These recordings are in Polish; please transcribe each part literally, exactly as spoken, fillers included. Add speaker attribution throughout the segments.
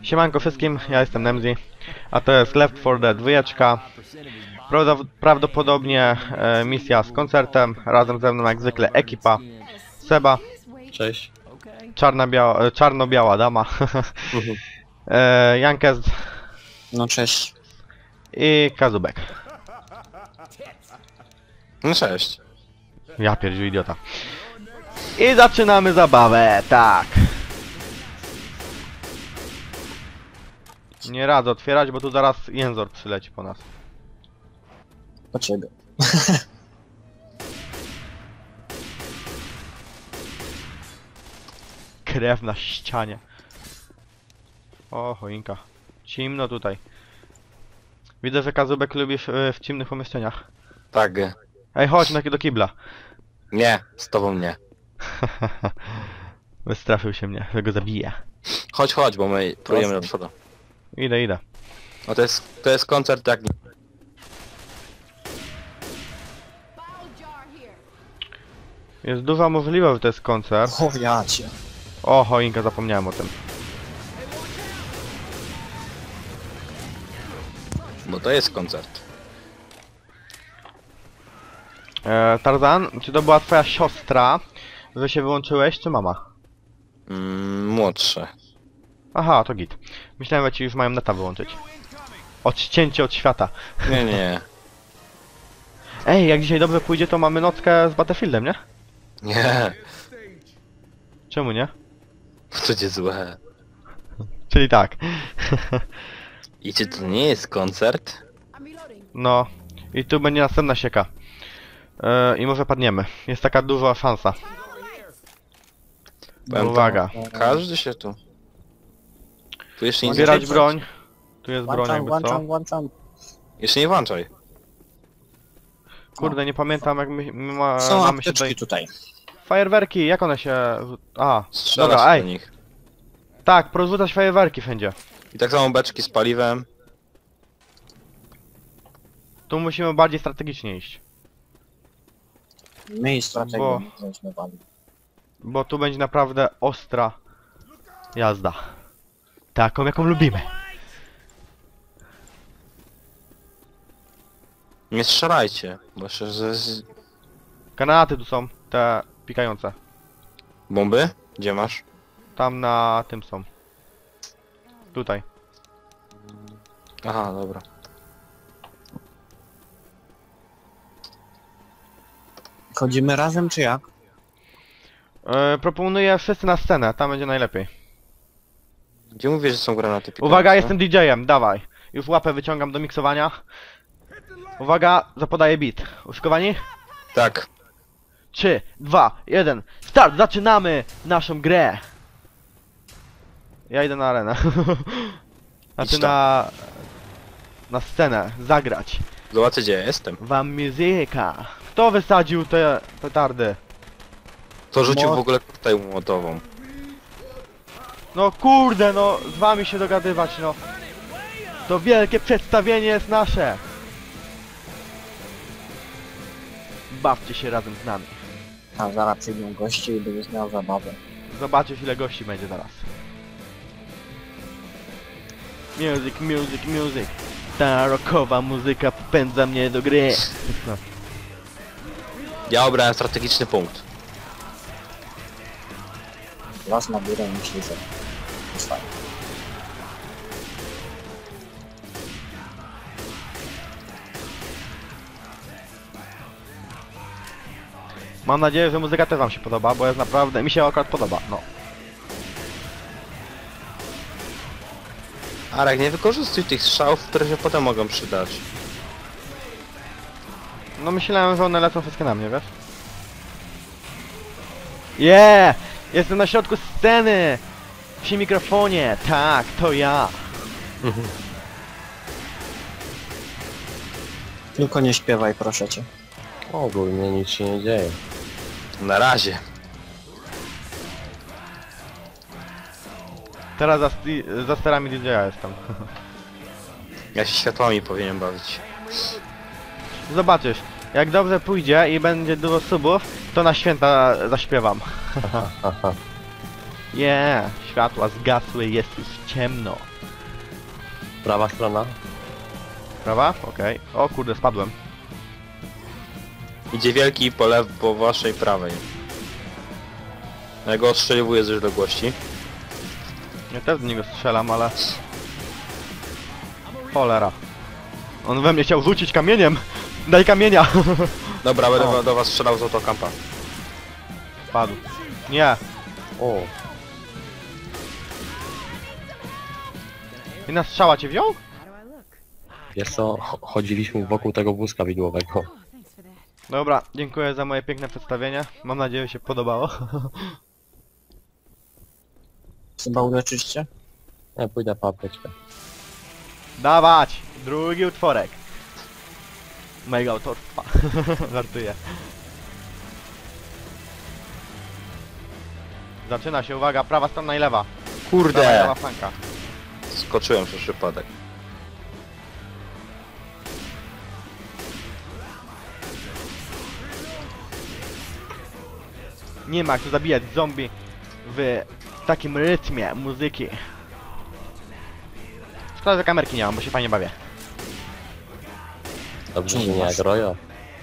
Speaker 1: Siemanko wszystkim, ja jestem Nemzi, a to jest Left four Dead dwa. Prawdopodobnie e, misja z koncertem, razem ze mną jak zwykle ekipa. Seba.
Speaker 2: Cześć.
Speaker 1: Czarna-biała, czarno-biała dama. e, Jankes.
Speaker 2: No cześć.
Speaker 1: I Kazubek.
Speaker 2: No cześć.
Speaker 1: Ja pierdziu idiota. I zaczynamy zabawę, tak. Nie radzę otwierać, bo tu zaraz Jęzor przyleci po nas.
Speaker 2: Po ciebie.
Speaker 1: Krew na ścianie. O, choinka. Cimno tutaj. Widzę, że Kazubek lubi w, w ciemnych pomieszczeniach.
Speaker 2: Tak.
Speaker 1: Ej, chodź na do kibla.
Speaker 2: Nie, z tobą nie.
Speaker 1: Wystraszył się mnie, że go zabiję.
Speaker 2: Chodź, chodź, bo my próbujemy do przodu.
Speaker 1: Idę, idę.
Speaker 2: No to jest, to jest koncert jak...
Speaker 1: Jest duża możliwość, że to jest koncert.
Speaker 2: O, ja cię.
Speaker 1: O, choinka, zapomniałem o tym.
Speaker 2: Bo to jest koncert.
Speaker 1: E, Tarzan, czy to była twoja siostra, że się wyłączyłeś, czy mama?
Speaker 2: Mm, młodsze.
Speaker 1: Aha, to git. Myślałem, że ci już mają neta wyłączyć. Odcięcie od świata.
Speaker 2: Nie, nie.
Speaker 1: Ej, jak dzisiaj dobrze pójdzie, to mamy nockę z Battlefieldem, nie?
Speaker 2: Nie.
Speaker 1: Czemu nie?
Speaker 2: To będzie złe.
Speaker 1: Czyli tak.
Speaker 2: I czy to nie jest koncert?
Speaker 1: No. I tu będzie następna sieka. E, I może padniemy. Jest taka duża szansa.
Speaker 2: Powiem
Speaker 1: Uwaga.
Speaker 2: tam, każdy się tu... Tu jeszcze nie
Speaker 1: Zbierać
Speaker 2: zaczęło.
Speaker 1: broń. Tu jest broń
Speaker 3: Włączam,
Speaker 1: jakby
Speaker 3: włączam,
Speaker 1: co.
Speaker 3: włączam.
Speaker 2: Jeszcze nie włączaj.
Speaker 1: Kurde, nie pamiętam jak my, my ma,
Speaker 3: Są
Speaker 1: mamy się
Speaker 3: apteczki
Speaker 1: tutaj...
Speaker 3: tutaj.
Speaker 1: Fajerwerki, jak one się... A,
Speaker 2: Strzelasz
Speaker 1: dobra,
Speaker 2: do
Speaker 1: ej.
Speaker 2: nich.
Speaker 1: Tak, porozrzucać fajerwerki wszędzie.
Speaker 2: I tak samo beczki z paliwem.
Speaker 1: Tu musimy bardziej strategicznie iść.
Speaker 3: My i strategię
Speaker 1: Bo-
Speaker 3: żeśmy wali.
Speaker 1: Bo tu będzie naprawdę ostra jazda. Taką jaką lubimy.
Speaker 2: Nie strzelajcie, bo jeszcze ze... z-
Speaker 1: Granaty tu są, te pikające.
Speaker 2: Bomby? Gdzie masz?
Speaker 1: Tam na tym są. Tutaj.
Speaker 2: Aha, dobra.
Speaker 3: Chodzimy razem czy jak?
Speaker 1: E, proponuję wszyscy na scenę, tam będzie najlepiej.
Speaker 2: Gdzie mówisz, że są granaty pikające?
Speaker 1: Uwaga, jestem D J-em, dawaj. Już łapę wyciągam do miksowania. Uwaga, zapodaję beat. Uszykowani?
Speaker 2: Tak.
Speaker 1: trzy, dwa, jeden, start! Zaczynamy naszą grę! Ja idę na arenę. Znaczy
Speaker 2: Idź tam.
Speaker 1: na... na scenę, zagrać.
Speaker 2: Zobaczcie, gdzie ja jestem.
Speaker 1: Wam muzyka. Kto wysadził te petardy?
Speaker 2: To rzucił
Speaker 3: Mo-
Speaker 2: w ogóle tutaj młotową.
Speaker 1: No kurde, no z wami się dogadywać, no. To wielkie przedstawienie jest nasze. Bawcie się razem z nami.
Speaker 3: A zaraz przyjdą goście i będziesz miał zabawę.
Speaker 1: Zobaczysz ile gości będzie zaraz. Music, music, music. Ta rockowa muzyka popędza mnie do gry. No.
Speaker 2: Ja obrałem strategiczny punkt.
Speaker 3: Las na górę i myśli, że to jest fajne.
Speaker 1: Mam nadzieję, że muzyka też wam się podoba, bo jest naprawdę... mi się akurat podoba, no.
Speaker 2: Arek, nie wykorzystuj tych strzałów, które się potem mogą przydać.
Speaker 1: No myślałem, że one lecą wszystkie na mnie, wiesz? Yeah! Jestem na środku sceny! Przy mikrofonie, tak, to ja.
Speaker 3: Tylko nie śpiewaj, proszę cię.
Speaker 4: Ogólnie nic się nie dzieje.
Speaker 2: Na razie.
Speaker 1: Teraz za, sti- za sterami D J-a jestem.
Speaker 2: Ja się światłami powinienem bawić.
Speaker 1: Zobaczysz, jak dobrze pójdzie i będzie dużo subów, to na święta zaśpiewam.
Speaker 4: Haha.
Speaker 1: Yeah, światła zgasły, jest już ciemno.
Speaker 4: Prawa strona.
Speaker 1: Prawa? Okej. O kurde, spadłem.
Speaker 2: Idzie wielki po lew, po waszej prawej. Ja go ostrzeliwuję z odległości.
Speaker 1: Ja też do niego strzelam, ale... Cholera. On we mnie chciał rzucić kamieniem! Daj kamienia!
Speaker 2: Dobra, będę
Speaker 1: O.
Speaker 2: do was strzelał z autokampa.
Speaker 1: Padł. Nie.
Speaker 4: O,
Speaker 1: Jedna strzała cię wziął?
Speaker 4: wiesz co, cho- chodziliśmy wokół tego wózka widłowego.
Speaker 1: Dobra, dziękuję za moje piękne przedstawienie. Mam nadzieję, że się podobało.
Speaker 3: Chyba uleczyć cię?
Speaker 4: Ja pójdę po apteczkę.
Speaker 1: Dawać! Drugi utworek. Mojego autorstwa. Żartuję. Zaczyna się, uwaga, prawa strona i lewa. Prawa i
Speaker 2: Kurde!
Speaker 1: lewa flanka.
Speaker 2: Skoczyłem przez przypadek.
Speaker 1: Nie ma jak tu zabijać zombie w takim rytmie muzyki. Szkoda, że kamerki nie mam, bo się fajnie bawię.
Speaker 4: Dobrze, że
Speaker 3: Nie
Speaker 4: nie
Speaker 3: masz.
Speaker 4: jak Rojo.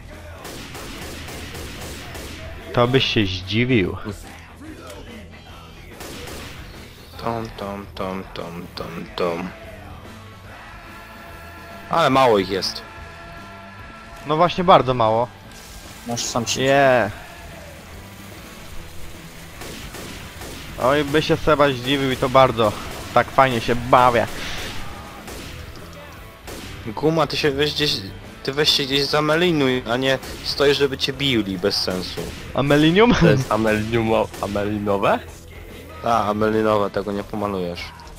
Speaker 1: To byś się zdziwił.
Speaker 2: Tom, tom, tom, tom, tom, tom. Ale mało ich jest.
Speaker 1: No właśnie bardzo mało.
Speaker 3: Masz sam się.
Speaker 1: Nie. Oj, by się Seba zdziwił i to bardzo. Tak fajnie się bawię.
Speaker 2: Guma, ty się weź gdzieś... Ty weź się gdzieś zamelinuj, a nie stoisz, żeby cię bili bez sensu.
Speaker 1: Amelinium?
Speaker 4: To jest ameliniumo, amelinowe?
Speaker 2: A, amelinowe, tego nie pomalujesz.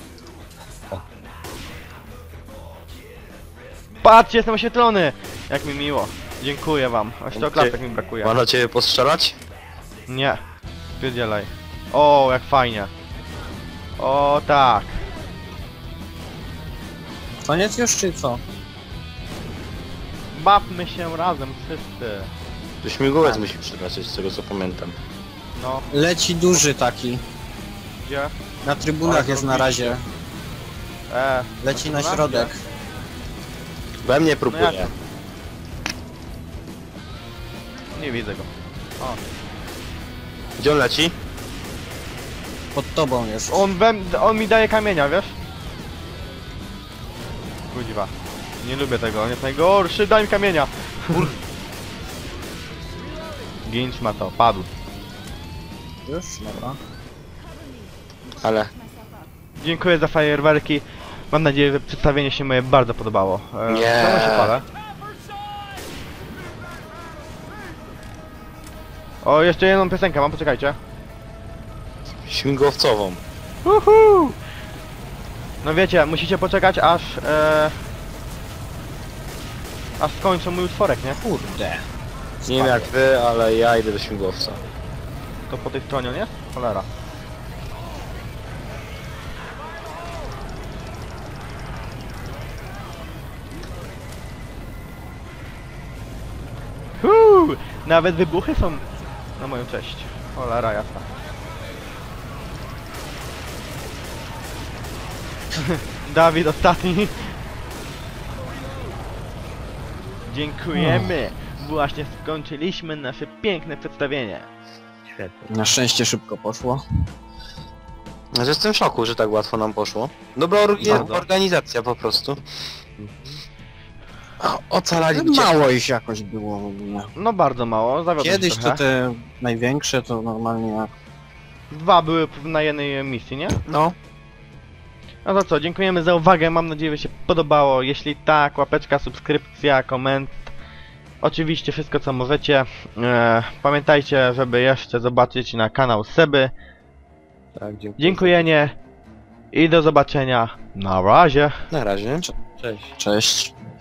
Speaker 1: Patrzcie, jestem oświetlony! Jak mi miło. Dziękuję wam. Aż to
Speaker 2: Gdzie-
Speaker 1: klatek mi brakuje.
Speaker 2: Ma na ciebie postrzelać?
Speaker 1: Nie. Spierdzielaj. O, jak fajnie. O, tak.
Speaker 3: Koniec już czy co?
Speaker 1: Bawmy się razem wszyscy.
Speaker 2: To śmigłowiec musi przylecieć, z tego co pamiętam.
Speaker 1: No,
Speaker 3: Leci duży taki.
Speaker 1: gdzie?
Speaker 3: Na trybunach
Speaker 1: Ale
Speaker 3: jest na
Speaker 1: zrobiliście.
Speaker 3: razie.
Speaker 1: E,
Speaker 3: Leci na
Speaker 1: trybunach?
Speaker 3: środek.
Speaker 2: We mnie
Speaker 1: No
Speaker 2: próbuje.
Speaker 1: jak? Nie widzę go. O.
Speaker 2: Gdzie on leci?
Speaker 3: Pod tobą jest.
Speaker 1: On, we, on mi daje kamienia, wiesz? Kudziwa. Nie lubię tego, on jest najgorszy, daj mi kamienia! Ginch ma to, padł.
Speaker 3: Już? Dobra.
Speaker 2: Ale...
Speaker 1: Dziękuję za fajerwerki. Mam nadzieję, że przedstawienie się moje bardzo podobało. E,
Speaker 2: Nie.
Speaker 1: czemu się palę? O, jeszcze jedną piosenkę mam, poczekajcie.
Speaker 2: Śmigłowcową.
Speaker 1: Uhu! No wiecie, musicie poczekać aż... E, aż skończą mój utworek, nie?
Speaker 3: Kurde.
Speaker 2: Nie wiem jak wy, ale ja idę do śmigłowca.
Speaker 1: To po tej stronie on jest? Cholera. Huu! Nawet wybuchy są na moją cześć. Cholera jasna. Dawid ostatni. Dziękujemy. Właśnie skończyliśmy nasze piękne przedstawienie.
Speaker 4: Świetnie.
Speaker 3: Na szczęście szybko poszło.
Speaker 2: Znaczy, jestem w szoku, że tak łatwo nam poszło. Dobra or
Speaker 4: Bardzo.
Speaker 2: organizacja po prostu. O, ocalali mnie.
Speaker 3: Mało ich jakoś było w ogóle.
Speaker 1: No bardzo mało, zawiodłem
Speaker 3: Kiedyś
Speaker 1: się
Speaker 3: to
Speaker 1: trochę.
Speaker 3: te największe to normalnie jak...
Speaker 1: Dwa były na jednej misji, nie?
Speaker 2: No.
Speaker 1: No to co, dziękujemy za uwagę, mam nadzieję, że się podobało. Jeśli tak, łapeczka, subskrypcja, koment. Oczywiście wszystko co możecie. E, pamiętajcie, żeby jeszcze zobaczyć na kanał Seby.
Speaker 4: Tak, dziękuję.
Speaker 1: Dziękujenie i do zobaczenia. Na razie.
Speaker 2: Na razie.
Speaker 4: Cześć.
Speaker 3: Cześć.